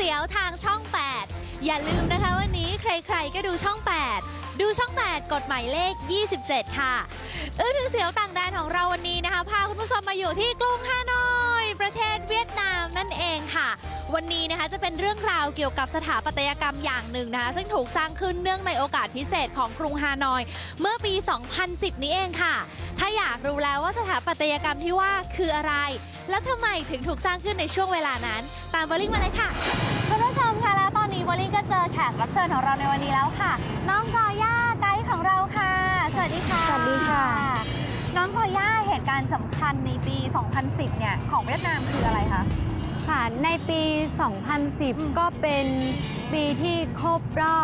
สียวทางช่อง 8 อย่าลืมนะคะวันนี้ใครๆก็ดูช่อง 8 ดูช่อง 8 กฎหมายเลข 27 ค่ะถึงเสียวต่างแดนของเราวันนี้นะคะพาคุณผู้ชมมาอยู่ที่กรุงฮานอยประเทศเวียดนามนั่นเองค่ะวันนี้นะคะจะเป็นเรื่องราวเกี่ยวกับสถาปัตยกรรมอย่างหนึ่งนะคะซึ่งถูกสร้างขึ้นเนื่องในโอกาสพิเศษของกรุงฮานอยเมื่อปี 2010 นี้เองค่ะถ้าอยากรู้แล้วว่าสถาปัตยกรรมที่ว่าคืออะไรแล้วทำไมถึงถูกสร้างขึ้นในช่วงเวลานั้นตามโบลิ่งมาเลยค่ะคุณผู้ชมคะแล้วตอนนี้โบลิ่งก็เจอแขกรับเชิญของเราในวันนี้แล้วค่ะน้องกอย่าไกด์ของเราค่ะสวัสดีค่ะสวัสดีค่ะน้องกอย่าเหตุการณ์สำคัญในปี 2010 เนี่ยของเวียดนามคืออะไรคะค่ะในปี 2010 ก็เป็นปีที่ครบรอบ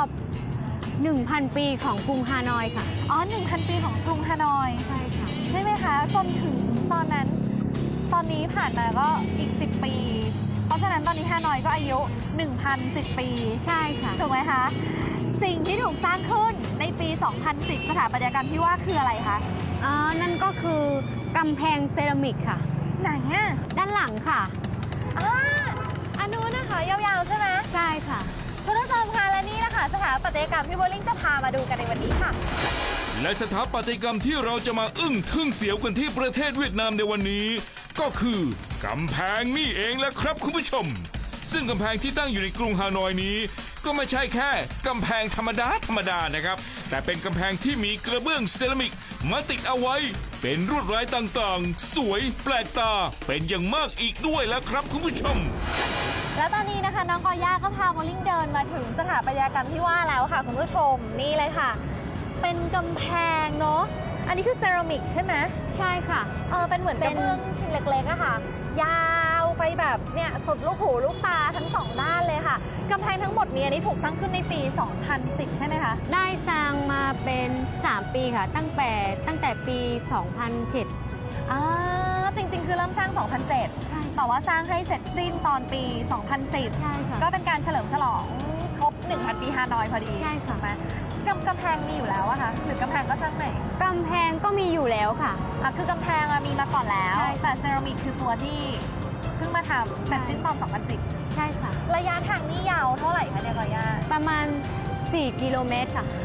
1,000 ปีของกรุงฮานอยค่ะอ๋อ 1,000 ปีของกรุงฮานอยใช่ค่ะใช่ไหมคะจนถึงตอนนั้นตอนนี้ผ่านมาก็อีก10 ปีเพราะฉะนั้นตอนนี้ฮานอยก็อายุ 1,010 ปีใช่ค่ะถูกไหมคะสิ่งที่ถูกสร้างขึ้นในปี 2010 สถาปัตยกรรมที่ว่าคืออะไรคะนั่นก็คือกำแพงเซรามิกค่ะไหนอะด้านหลังค่ะอันนู้นนะคะยาวๆใช่ไหมใช่ค่ะคุณผู้ชมคะและนี่นะคะสถาปัตยกรรมที่โบลิ่งจะพามาดูกันในวันนี้ค่ะและสถาปัตยกรรมที่เราจะมาอึ้งทึ่งเสียวกันที่ประเทศเวียดนามในวันนี้ก็คือกำแพงนี่เองแหละครับคุณผู้ชมซึ่งกำแพงที่ตั้งอยู่ในกรุงฮานอยนี้ก็ไม่ใช่แค่กำแพงธรรมดานะครับแต่เป็นกำแพงที่มีกระเบื้องเซรามิกมาติดเอาไว้เป็นลวดลายต่างๆสวยแปลกตาเป็นอย่างมากอีกด้วยแล้วครับคุณผู้ชมและตอนนี้นะคะน้องกอย่าก็พาโบลิ่งเดินมาถึงสถาปัตยกรรมที่ว่าแล้วค่ะคุณผู้ชมนี่เลยค่ะเป็นกำแพงเนาะอันนี้คือเซรามิกใช่ไหมใช่ค่ะเป็นเหมือนกระเบื้องชิ้นเล็กๆอะค่ะยาวไปแบบเนี่ยสุดลูกหูลูกตาทั้งสองด้านเลยค่ะกำแพงทั้งหมดนี้นี่ถูกสร้างขึ้นในปี 2010 ใช่ไหมคะได้สร้างมาเป็น3 ปีค่ะตั้งแต่ปี 2007 จริงๆคือเริ่มสร้าง 2007 ใช่แต่ว่าสร้างให้เสร็จสิ้นตอนปี 2010 ใช่ค่ะก็เป็นการเฉลิมฉลองครบ 1,000 ปีฮานอยพอดีใช่ค่ะกำแพงมีอยู่แล้วอะคะหรือกำแพงก็สร้างใหม่กำแพงก็มีอยู่แล้วค่ะคือกำแพงมีมาก่อนแล้วแต่เซรามิกคือตัวที่เพิ่งมาทำเสร็จสิ้นตอน 2010 ใช่ค่ะระยะทางนี่ยาวเท่าไหร่คะเนี่ยกอย่าประมาณ4 กิโลเมตรค่ะ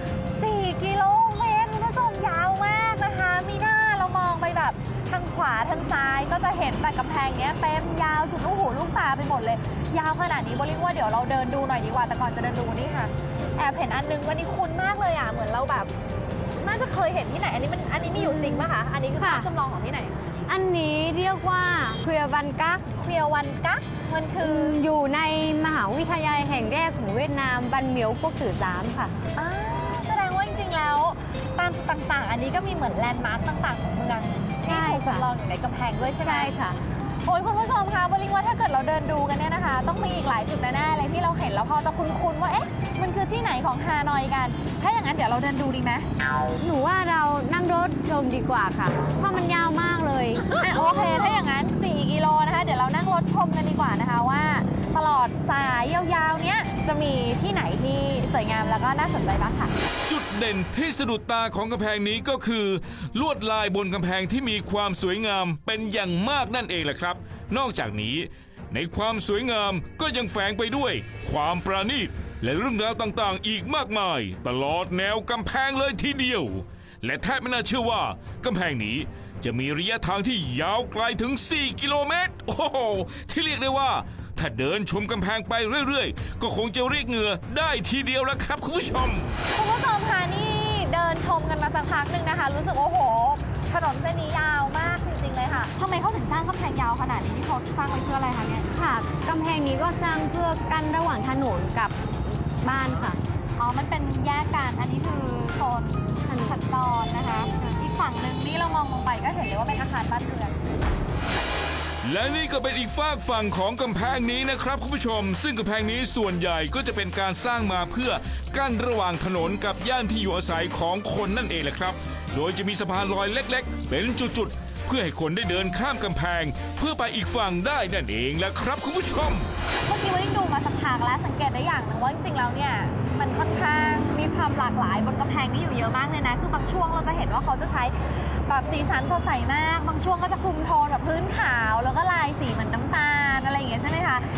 4 กิโลเมตรคุณผู้ชมยาวมากนะคะมีหน้าเรามองไปแบบทางขวาทางซ้ายก็จะเห็นแต่กำแพงเนี้ยเต็มยาวสุดลูกหูลูกตาไปหมดเลยยาวขนาดนี้โบลิ่งว่าเดี๋ยวเราเดินดูหน่อยดีกว่าแต่ก่อนจะเดินดูนี่ค่ะแอบเห็นอันนึงวันนี้คุ้นมากเลยเหมือนเราแบบน่าจะเคยเห็นที่ไหนอันนี้มีอยู่จริงป่ะคะอันนี้คือภาพจำลองของที่ไหนอันนี้เรียกว่าเควียวันกักมันคืออยู่ในมหาวิทยาลัยแห่งแรกของเวียดนามบันเหมียวก๊กตื่อ3ค่ะแสดงว่าจริงๆแล้วตามจุดต่างๆอันนี้ก็มีเหมือนแลนด์มาร์คต่างๆของเมืองที่ถูกจำลองอยู่ในกำแพงด้วยใช่ไหมใช่ค่ะโอ้ยคุณผู้ชมคะโบลิ่งว่าถ้าเกิดเราเดินดูกันเนี่ยนะคะต้องมีอีกหลายจุดแน่ๆเลยที่เราเห็นแล้วพอจะคุ้นๆว่ามันคือที่ไหนของฮานอยกันถ้าอย่างนั้นเดี๋ยวเราเดินดูดีไหมหนูว่าเรานั่งรถชมดีกว่าค่ะเพราะมันยาวมากเลยโอเคถ้าอย่างนั้น4 กิโลนะคะเดี๋ยวเรานั่งรถชมกันดีกว่านะคะว่าตลอดสายยาวๆเนี้ยจะมีที่ไหนที่สวยงามแล้วก็น่าสนใจบ้างค่ะจุดเด่นที่สะดุดตาของกำแพงนี้ก็คือลวดลายบนกำแพงที่มีความสวยงามเป็นอย่างมากนั่นเองแหละครับนอกจากนี้ในความสวยงามก็ยังแฝงไปด้วยความประณีตและเรื่องราวต่างๆอีกมากมายตลอดแนวกำแพงเลยทีเดียวและแทบไม่น่าเชื่อว่ากำแพงนี้จะมีระยะทางที่ยาวไกลถึง4 กิโลเมตรโอ้โหที่เรียกได้ว่าถ้าเดินชมกำแพงไปเรื่อยๆก็คงจะเรียกเหงื่อได้ทีเดียวแล้วครับคุณผู้ชมค่ะนี่เดินชมกันมาสักพักหนึ่งนะคะรู้สึกโอ้โหถนนเส้นนี้ยาวมากจริงๆเลยค่ะทำไมเขาถึงสร้างกำแพงยาวขนาดนี้ที่เขาสร้างไว้เพื่ออะไรคะเนี่ยค่ะกำแพงนี้ก็สร้างเพื่อกั้นระหว่างถนนกับบ้านค่ะมันเป็นแยกกันอันนี้คือโซนสัญจรนะคะอีกฝั่งหนึ่งนี่เรามองลงไปก็เห็นเลยว่าเป็นอาคารบ้านเรือนและนี่ก็เป็นอีกฝากฝั่งของกำแพงนี้นะครับคุณผู้ชมซึ่งกำแพงนี้ส่วนใหญ่ก็จะเป็นการสร้างมาเพื่อกั้นระหว่างถนนกับย่านที่อยู่อาศัยของคนนั่นเองแหละครับโดยจะมีสะพานลอยเล็กๆเป็นจุดๆเพื่อให้คนได้เดินข้ามกำแพงเพื่อไปอีกฝั่งได้นั่นเองแหละครับคุณผู้ชมเมื่อกี้วันนี้ดูมาสักพักแล้วสังเกตได้อย่างหนึ่งว่าจริงๆแล้วเนี่ยมันค่อนข้างมีความหลากหลายบนกำแพงนี้อยู่เยอะมากเลยนะคือบางช่วงเราจะเห็นว่าเขาจะใช้แบบสีสันสดใสมากบางช่วงก็จะคุมโทนแบบพื้นขาวแล้วก็ลายสีเหมือนน้ำตาลอะไรอย่างเงี้ยใช่ไหมคะหรืออย่าง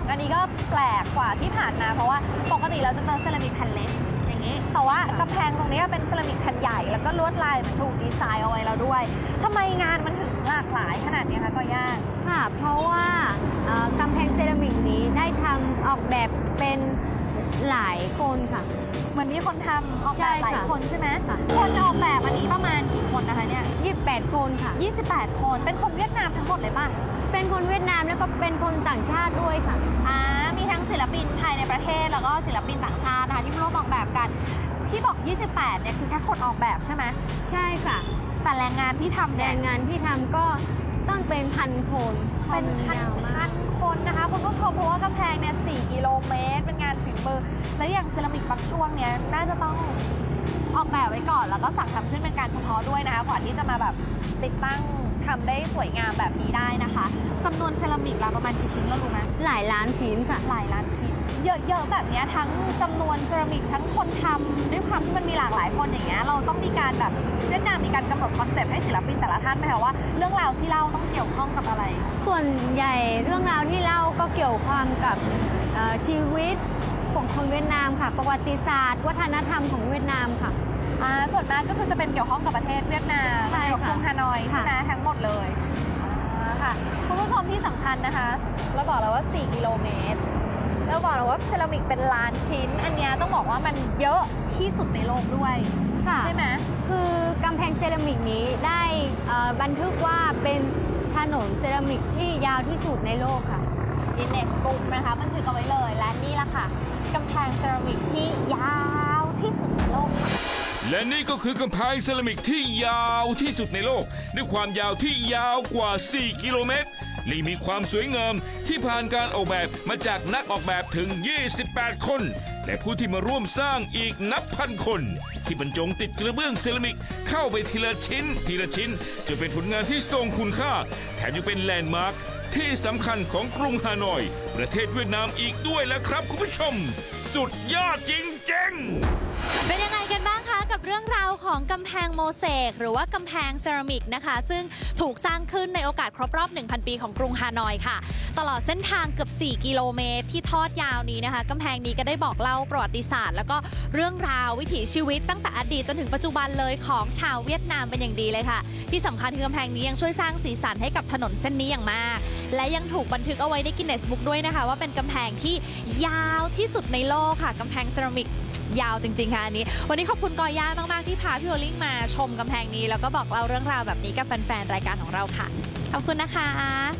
อันนี้ก็แปลกกว่าที่ผ่านมาเพราะว่าปกติเราจะเจอเซรามิกแผ่นเล็กอย่างนี้แต่ว่ากำแพงตรงนี้เป็นเซรามิกแผ่นใหญ่แล้วก็ลวดลายมันถูกดีไซน์เอาไว้แล้วด้วยทำไมงานมันถึงหลากหลายขนาดนี้คะก็ย่าค่ะ เพราะว่ากำแพงเซรามิกนี้ได้ทำออกแบบเป็นหลายคนค่ะเหมือนมีคนทำออกแบบหลายใช่ค่ะคนใช่ไหมค่ะคนออกแบบอันนี้ประมาณกี่คนนะคะเนี่ย 28 คนค่ะ 28 คน เป็นคนเวียดนามทั้งหมดเลยป่ะเป็นคนเวียดนามแล้วก็เป็นคนต่างชาติด้วยค่ะมีทั้งศิลปินภายในประเทศแล้วก็ศิลปินต่างชาตินะคะที่ร่วมออกแบบกัน ที่บอก 28 เนี่ยคือแค่คนออกแบบใช่ไหมใช่ค่ะแต่แรงงานที่ทำแรเนี่ยงงานที่ทำก็ต้องเป็นพันคนเป็นพันยาวมากคนนะคะคุณผู้ชมเพราะว่ากำแพงเนี่ย4 กิโลเมตร เป็นงานฝีมือ แล้วอย่างเซรามิกบางช่วงเนี่ยน่าจะต้องออกแบบไว้ก่อน แล้วก็สั่งทำขึ้นเป็นการเฉพาะด้วยนะคะกว่าที่จะมาแบบติดตั้งทำได้สวยงามแบบนี้ได้นะคะจำนวนเซรามิกเราประมาณกี่ชิ้นแล้วรู้ไหมหลายล้านชิ้นค่ะหลายล้านชิ้น เยอะๆแบบเนี้ยทั้งจำนวนเซรามิกทั้งคนทำด้วยความที่มันมีหลากหลายคนอย่างเงี้ยเราต้องมีการแบบเวียดนามมีการกำหนดคอนเซปต์ให้ศิลปินแต่ละท่านไหมคะว่าเรื่องราวที่เล่าต้องเกี่ยวข้องกับอะไรส่วนใหญ่เรื่องราวที่เล่าก็เกี่ยวข้องกับชีวิตของคนเวียดนามค่ะ ประวัติศาสตร์ วัฒนธรรมของเวียดนามค่ะส่วนมากก็คือจะเป็นเกี่ยวข้องกับประเทศเวียดนามใช่ค่ะกับกรุงฮานอยใช่ไหมค่ะทั้งหมดเลยค่ะคุณผู้ชมที่สำคัญนะคะเราบอกแล้วว่า 4 กิโลเมตรเราบอกแล้วว่าเซรามิกเป็นล้านชิ้น อันเนี้ยต้องบอกว่ามันเยอะที่สุดในโลกด้วยค่ะใช่ไหมคือกำแพงเซรามิกนี้ได้บันทึกว่าเป็นถนนเซรามิกที่ยาวที่สุดในโลกค่ะกินเนสบุ๊กนะคะบันทึกเอาไว้เลยและนี่ละค่ะกำแพงเซรามิกที่ยาวที่สุดในโลกค่ะและนี่ก็คือกำแพงเซรามิกที่ยาวที่สุดในโลก ด้วยความยาวที่ยาวกว่า 4 กิโลเมตรและมีความสวยงามที่ผ่านการออกแบบมาจากนักออกแบบถึง 28 คน และผู้ที่มาร่วมสร้างอีกนับพันคน ที่บรรจงติดกระเบื้องเซรามิกเข้าไปทีละชิ้นจนเป็นผลงานที่ทรงคุณค่าแถมยังเป็นแลนด์มาร์คที่สำคัญของกรุงฮานอย ประเทศเวียดนามอีกด้วยแล้วครับคุณผู้ชม สุดยอดจริงๆเป็นยังไงกันบ้างคะกับเรื่องราวของกำแพงโมเสกหรือว่ากำแพงเซรามิกนะคะซึ่งถูกสร้างขึ้นในโอกาสครบรอบ 1,000 ปีของกรุงฮานอยค่ะตลอดเส้นทางเกือบ 4 กิโลเมตรที่ทอดยาวนี้นะคะกำแพงนี้ก็ได้บอกเล่าประวัติศาสตร์แล้วก็เรื่องราววิถีชีวิตตั้งแต่อดีตจนถึงปัจจุบันเลยของชาวเวียดนามเป็นอย่างดีเลยค่ะที่สำคัญคือกำแพงนี้ยังช่วยสร้างสีสันให้กับถนนเส้นนี้อย่างมากและยังถูกบันทึกเอาไว้ในกินเนสบุ๊กด้วยนะคะว่าเป็นกำแพงที่ยาวที่สุดในโลกค่ะกำแพงเซรามิกยาวจริงๆค่ะอันนี้วันนี้ขอบคุณกอย่ามากๆที่พาพี่โอลิ่งมาชมกำแพงนี้แล้วก็บอกเล่าเรื่องราวแบบนี้กับแฟนๆรายการของเราค่ะขอบคุณนะคะ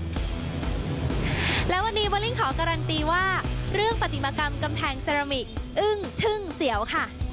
แล้ววันนี้โอลิ่งขอการันตีว่าเรื่องประติมากรรมกำแพงเซรามิกอึ้งทึ่งเสียวค่ะ